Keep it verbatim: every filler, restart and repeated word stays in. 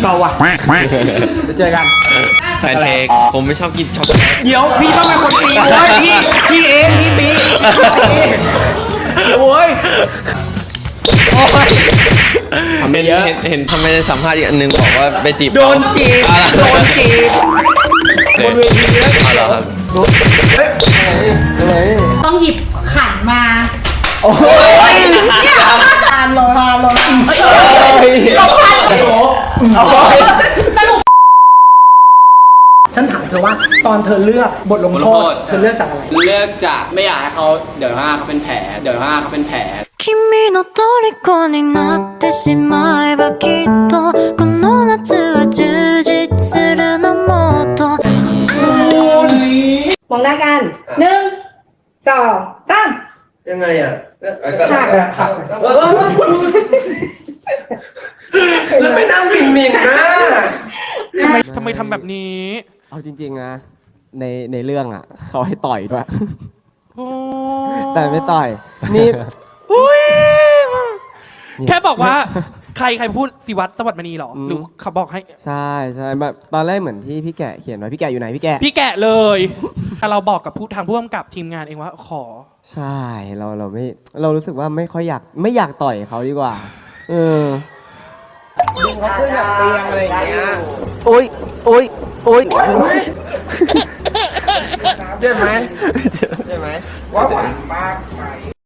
เก่าว่ะจะเจอกันแฟนเค้กผมไม่ชอบกินช็อกโกแลตเดี๋ยวพี่ต้องเป็นคนตีโว้ยพี่พี่เองพี่ตีโว้ยโอ้ยทำเยอะเห็นเห็นทำไมในสัมภาษณ์อีกอันนึงบอกว่าไปจีบโดนจีบโดนจีบบนเวทีเลยเอาเหรอครับต้องหยิบขันมาโอ้ยเนี่ยทานโลทานโลทานโลทานสรุปฉันถามเธอว่าตอนเธอเลือกบทลงโทษเธอเลือกจากอะไรเลือกจากไม่อยากให้เขาเดี๋ยวข้างหน้าเขาเป็นแผลเดี๋ยวข้างหน้าเขาเป็นแผล君の虜になってしまえばきっとこの夏は充実するのもっとมองหน้ากันหนึ่งสองสามยังไงอ่ะค่ะค่ะแล้วไม่นั่งหมิ่นหมิ่นนะทำไมทำแบบนี้เอาจริงๆนะในในเรื่องอ่ะเขาให้ต่อยด้วยโอ้แต่ไม่ต่อยนี่แค่บอกว่าใครใครพูดสิวัตรสวัสดิ์มณีหรอหรือเขาบอกให้ใช่ใช่แบบตอนแรกเหมือนที่พี่แกะเขียนไว้พี่แกะอยู่ไหนพี่แกะพี่แกะเลยแต่เราบอกกับผู้ทางผู้กำกับทีมงานเองว่าขอใช่เราเราไม่เรารู้สึกว่าไม่ค่อยอยากไม่อยากต่อยเขาดีกว่าเออเขาขึ้นจากเตียงอะไรอย่างเงี้ยโอ๊ยโอ๊ยโอ๊ยใช่ไหมใช่ไหมว่าหวานมากไป